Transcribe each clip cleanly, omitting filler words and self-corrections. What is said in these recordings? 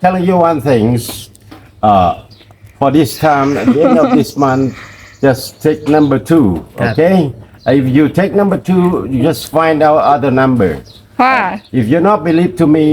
telling you one thing. For this time, at the end of this month, just take number 2. Okay. If you take number 2, you just find out other number. พ่อ If you not believe to me,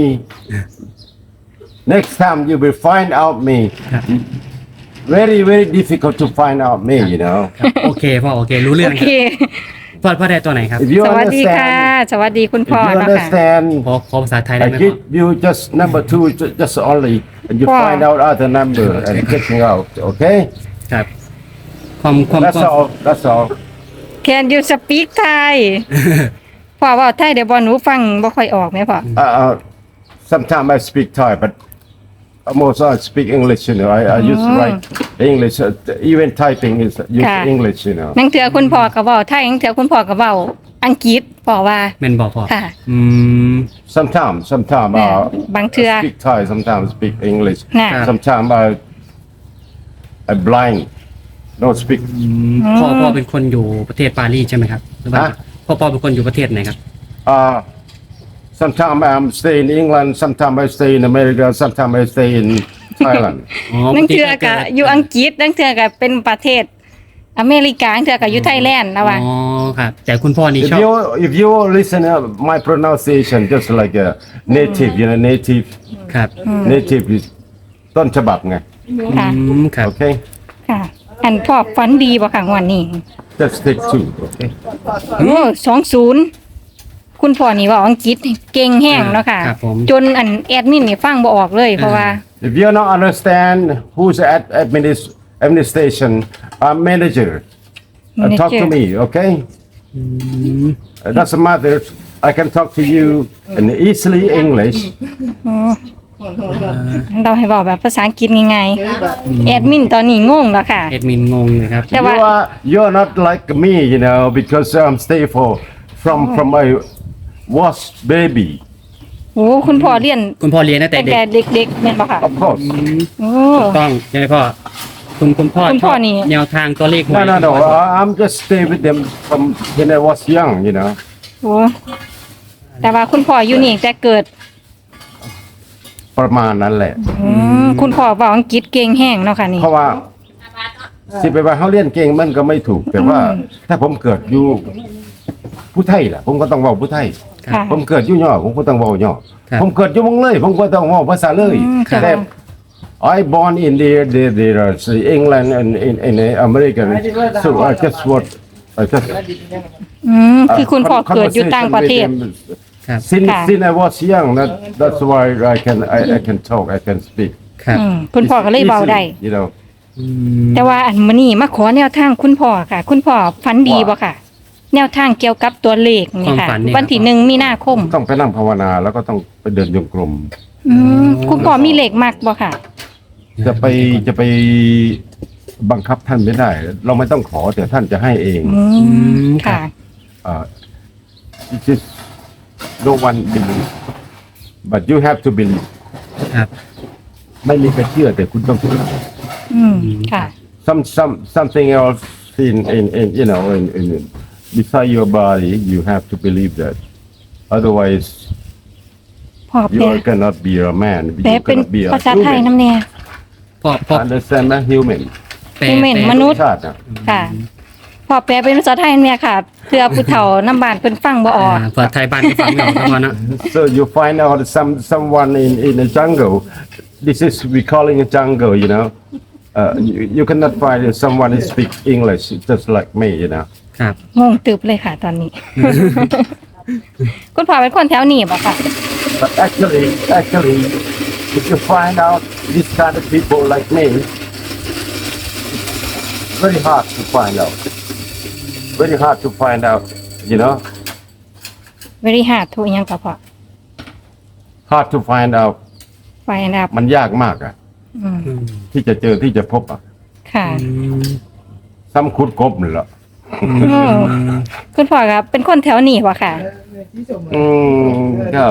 next time you will find out me. Very very difficult to find out me. You know. ครับโอเคพ่อโอเครู้เรื่โอองเคพ่อได้ตัวไหนครับ If you สวัสดีค่ะ understand, สวัสดีคุณ if พ่อ you เนาะค่ะ understand, ขอภาษาไทยได้ I ไหมพ่อ give you just number 2, just only, and you Wow. find out other number and get me out. Okay. ครับความ That's all. That's all. Can you speak Thai พ่อเว่าไทยเดี๋ยวบอหนูฟังบ่ค่อยออกไหมพ่อ Sometimes I speak Thai, but most I speak English. You know, I use write English. Even typing is use Okay. English. You know. นังเถือคุณพ่อก็เว้าไทยนังเถือคุณพ่อก็เว้าอังกฤษพ่อว่าแม่นบอกพ่อค่ะอืม Sometimes Yeah. Bang I tua. speak Thai. Sometimes speak English. Nah. Sometimes I blind. Don't speak. พ่อเป็นคนอยู่ประเทศปารีสใช่ไหมครับหรือว่าฮะพ่อเป็นคนอยู่ประเทศไหนครับ Sometimes I'm stay in England. Sometimes I stay in America. Sometimes I stay in Thailand. อ๋อนังเถือก็อยู่อังกฤษนังเถือก็เป็นประเทศอเมริกานังเถือก็อยู่ไทยแลนด์นะว่าอ๋อครับแต่คุณพ่อนี่ If ชอบ you listen to my pronunciation, just like a native, you know, native ครับ native is ต้นฉบับไงค่ะครับ Okay, ค่ะ อันพ่อฝันดีบ่ค่ะงวันนี้ just take 2. Okay. โอ้20คุณพ่อนี่เว่าอังกฤษเก่งแห้งเนาะค่ะครับผมจนอันแอดมินนี่ฟังบ่ออกเลยเพราะว่า If you don't understand who's at administration, I'm manager. Talk to me, okay? It doesn't matter. I can talk to you in easily English. เราให้บอกแบบภาษาอังกฤษง่ายๆแอดมินตอนนี้งงแล้วค่ะเอ็ดมินงงเลยครับแต่ว่า You're not like me, you know, because I'm stay from my was baby. โอ้คุณพ่อเรียนคุณพ่อเรียนตั้งแต่ตั้งเด็แต่กเด็กๆแม่นบ่ค่ะ Of course. โอ้ถูกต้องใช่ไหมพ่อคุณพ่อคุณชพ่ออบ นี่แนวทางตัวเลขหวย No. I'm just stay with them from when I was young, you know. โหแต่ว่าคุณพ่ออยู่นี่แต่เกิดประมาณนั้นแหละคุณพ่อเว้าอังกฤษเก่งแห้งเนาะค่ะนี่เพราะว่าสิไปว่าเขาเรียนเก่งมันก็ไม่ถูก แต่ว่าถ้าผมเกิดอยู่ผู้ไทยล่ะ ผมก็ต้องเว้าผู้ไทยค่ะผมเกิดอยู่ย่อผมก็ต้องเว้าย่อครับผมเกิดอยู่เมืองเลย ผมก็ต้องเว้าภาษาเลยค่ะแต่ I born in the England and in America so I just what I just คือคุณพ่อเกิดอยู่ต่างประเทศครับ Since ค่ะ I was young, that's why I can talk, I can speak. ครับคุณพ่อก็เลยเว้าได้ Easily, you know. แต่ว่าอันมื้อนี้มาขอแนวทางคุณพ่อค่ะ คุณพ่อฝันดีบ่ค่ะ แนวทางเกี่ยวกับตัวเลขนี่ค่ะความฝันนี่วันที่ครับ 1มีนาคมต้องไปนั่งภาวนาแล้วก็ต้องไปเดินโยงกลมคุณพ่อมีเลขมักบ่ค่ะจะไปบังคับท่านไม่ได้ เราไม่ต้องขอแต่ท่านจะให้เองค่ะ It is no one believe but you have to believe ครับไม่มีใครเชื่อแต่คุณต้องเชื่อค่ะ something else in you know in beside your body you have to believe that otherwise พ่อแปล you cannot be a man แปล you เป็น cannot be a ภาษาไทย human น้ำเนี่ยพ่อ understand ไหม human แปล Human แปลมนุษย์ชาตินะค่ะพ่อแปลเป็นภาษาไทยเนี่ยค่ะเพื่อผู้เฒ่าน้ำบานเพิ่นฟังบ่ออกเปิดไทยบ้านที่ฟังไม่ออกครับพ่อนะ So you find out someone in the jungle. This is we calling a jungle, you know. You cannot find someone who speak English just like me, you know. ครับงงตึบเลยค่ะตอนนี้ คุณพ่อเป็นคนแถวนี้บ่ค่ะ But actually, if you find out this kind of people like me, it's very hard to find out. Very hard to find out, you know. very hard to อิหยังก็พอ Hard to find out. ไฟนะครับมันยากมากอะที่จะเจอที่จะพบอะค่ะซ้ำคุดกบนี่แหละคุณพ่อครับเป็นคนแถวนี้บ่ค่ะก็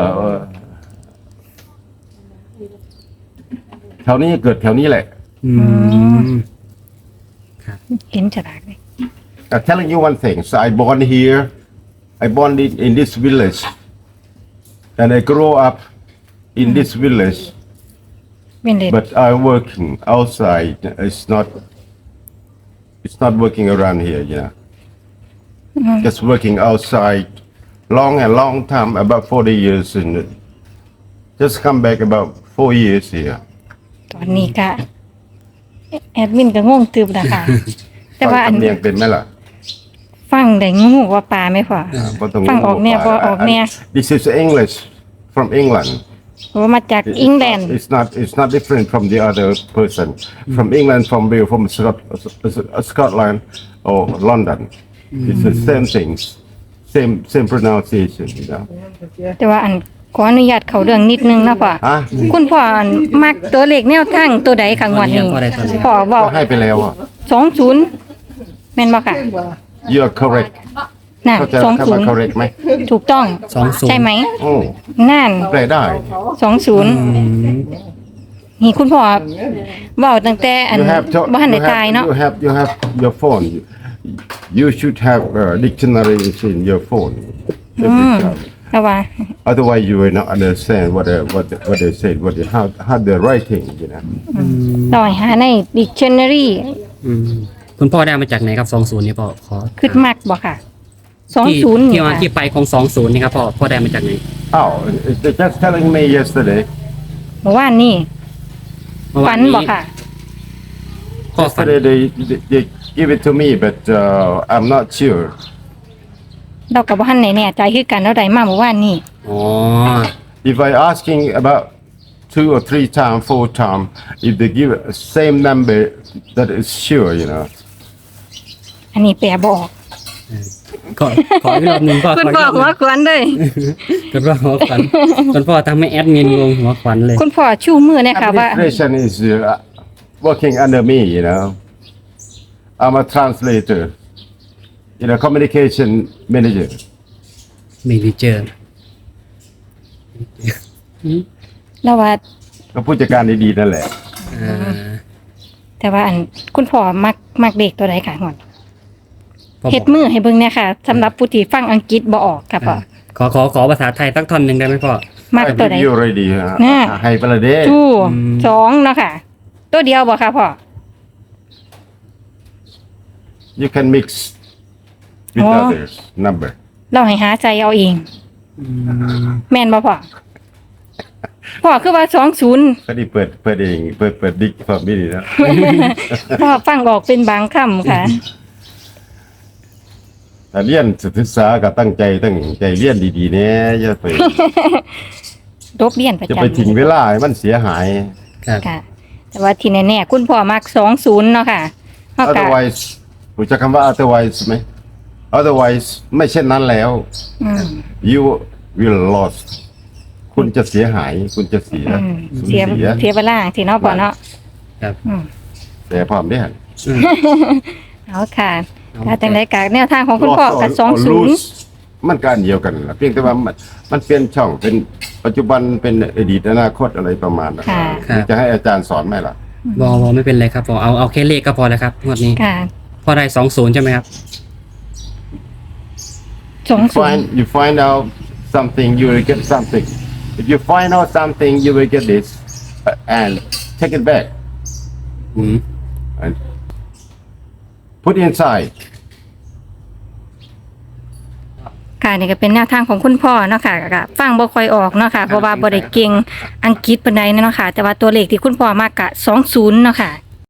แถวนี้เกิดแถวนี้แหละเห็นฉลากเลย I'm telling you one thing. So I born here. I born in this village, and I grow up in this village. เป็นเด็ด But I'm working outside. It's not working around here, you know. Just working outside long time, about 40 years, and just come back about 4 years here. ตอนนี้ก็แอดมินก็งงตึบนะคะ แต่ว่าฟัอังนสำเนียงเป็นไหมล่ะฟังได้งูว่าปลาไหมพ่อบ่ต้องฟังออกแนวบ่ออกแนว This is English from England. โอ้มาจากอังกฤษ It's not different from the other person. From England, from Wales, from Scotland or London. It's the same things. Same pronunciation, you know. แต่ว่าอันขออนุญาตเข้าเรื่องนิดนึงนะพ่อฮะคุณพ่ออันมักตัวเลขแนวทางตัวใดค่ะงวดนี้พ่อเว้าก็ให้ไปแล้วอ่ะ 20แม่นบ่ค่ะ You are correct. นั่นเข้าใจคำว่า correct ไหม 20ถูกต้อง 20 ใช่ไหมโอ้นั่นแปลได้ 20นี่คุณพ่อเว้าตั้งแต่อัน You have บ่ทันได้ตายเนาะ you have your phone. You should have a dictionary in your phone. Every time. แล้วว่า Otherwise, you will not understand what they said, how they're writing, you know. ลอยหาใน dictionary อืมคุณพ่อได้มาจากไหนครับ20นี่พ่อขอคิดมักบ่ค่ะที่ 20 ที่นี่มาค่ะที่ไปของ20นี่ครับพ่อได้มาจากไหน Oh, they're just telling me yesterday. เมื่อวานนี้เมื่อฝัวานนนี้บ่ค่ะพ่อฝัน Yesterday they give it to me, but I'm not sure. เราก็บ่ทันได้แน่ใจคือกันเราได้มาเมื่อวานนี้อ๋อ If I asking about 2 or 3 times, 4 times, if they give a same number, that is sure, you know. อันนี้แปลบ่ออกขออีกรอบหนึงพ่อคุณขออีกพ่อรอบหหัวนึ่งขวัญเลยคุณพ่อหัวขวัญคุณพ่อทำให้แอดมินงงหัวขวัญเลยคุณพ่อชูมือเนี่ยค่ะว่า Administration is working under me, you know. I'm a translator, you know, communication manager. มีดีเจอร์แล้วว่าก็ผู้จัดการดีๆนั่นแหละแต่ว่าอันคุณพ่อมักเด็กตัวใดค่ะหอนพ่อเฮ็ดมือให้เบิ่งเนี่ยค่ะสำหรับผู้ที่ฟังอังกฤษบ่ออกค่ะพ่อขอภาษาไทยสักท่อนหนึ่งได้ไหมพ่อมัก I ตัวใด give you already. น่ะให้ไปเลยเด้ชู2เนาะค่ะ ตัวเดียวบ่ค่ะพ่อ You can mix with Oh. others number. เราให้หาใจเอาเอง แม่นบ่พ่อพ่อคือว่า20 ก็ดีเปิดเองเปิดดิกฟังไม่ดีนะพ่อฟังออกเป็นบางคำค่ะแต่เรียนศึกษาก็ตั้งใจเรียนดีๆเนี่ยอย่าไปรบเรียนประจะจำไปทิ้งเวลาให้มันเสียหายครับค่ะ แต่ว่าที่แน่ๆคุณพ่อมัก20เนาะค่ะเฮาก็ otherwise รู้จักคำว่า otherwise ไหม otherwise ไม่เช่นนั้นแล้ว you will lost คุณจะเสียหายคุณจะเสียเสียเวลาสิเนาะพ่อเนาะครับแต่พร้อมได้หันเอาค่ะถ้าจังได๋ก็แนวทางของคุณพ่อก็ Lost or 20 lose มันก็อันเดียวกันล่ะเพียงแต่ว่ามันเปลี่ยนช่องเป็นปัจจุบันเป็นอดีตอนาคตอะไรประมาณนั้นค่ะจะให้อาจารย์สอนไหมล่ะบอไม่เป็นไรครับพ่อเอาแค่เลขก็พอแล้วครับงวดนี้ค่ะพ่อได้20ใช่ไหมครับ 20 you find out something you will get something if you find out something you will get this and take it back อืม and put inside ค่ะนี่ก็เป็นแนวทางของคุณพ่อเนาะค่ะก็ฟังบ่ค่อยออกเนาะค่ะเพราะว่าบ่ได้เก่งอังกฤษปานใดเนาะค่ะแต่ว่าตัวเลขที่คุณพ่อมากกะ20เนาะค่ะ